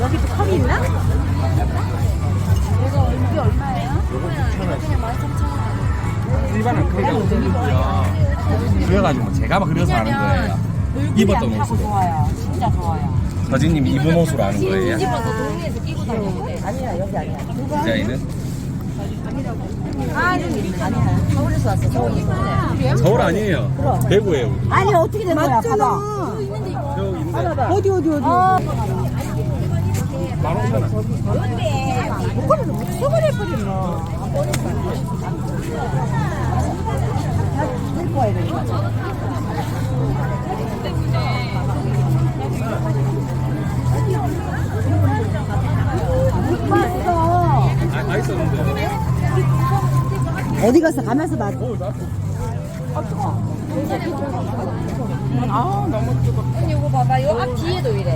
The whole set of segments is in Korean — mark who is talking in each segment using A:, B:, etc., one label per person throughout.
A: 여기 또 컵이 있나? 이게 얼마예요?
B: 일반은 그게 없으니까 그래가지고 제가 막 그려서 하는 거예요. 입었던 옷으로.
A: 좋아요. 진짜 좋아요.
B: 서진님이 입은 옷으로 하는 거예요.
A: 집어서 동네에서 끼고 다니는데. 아니야, 여기 아니야.
B: 디자인은?
A: 아니야. 서울에서 왔어. 서울 이쁘네.
B: 서울 아니에요. 대구예요. 우리.
A: 아니, 어떻게 된 거야? 봐봐.
B: 여기 있는데.
A: 어디?
B: 15,000원.
A: 목걸이를 못 써버려 뭐. 데리고 와야 되니까. 못 봤어.
B: 다 있었는데.
A: 어디 갔어? 가면서 봐.
B: 아 너무 뜨거.
A: 언니 이거 봐봐. 이거 앞 뒤에도 이래.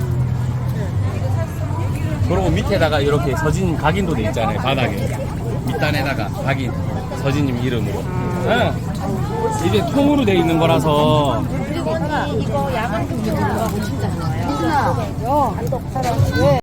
B: 그리고 밑에다가 이렇게 서진님 각인도 돼 있잖아요. 바닥에 밑단에다가 각인 서진님 이름으로. 네. 이게 통으로 돼 있는 거라서.
A: 그리고 언니 이거 야간 금융 들어가고 진짜 좋아요. 야, 안독 살아. 왜?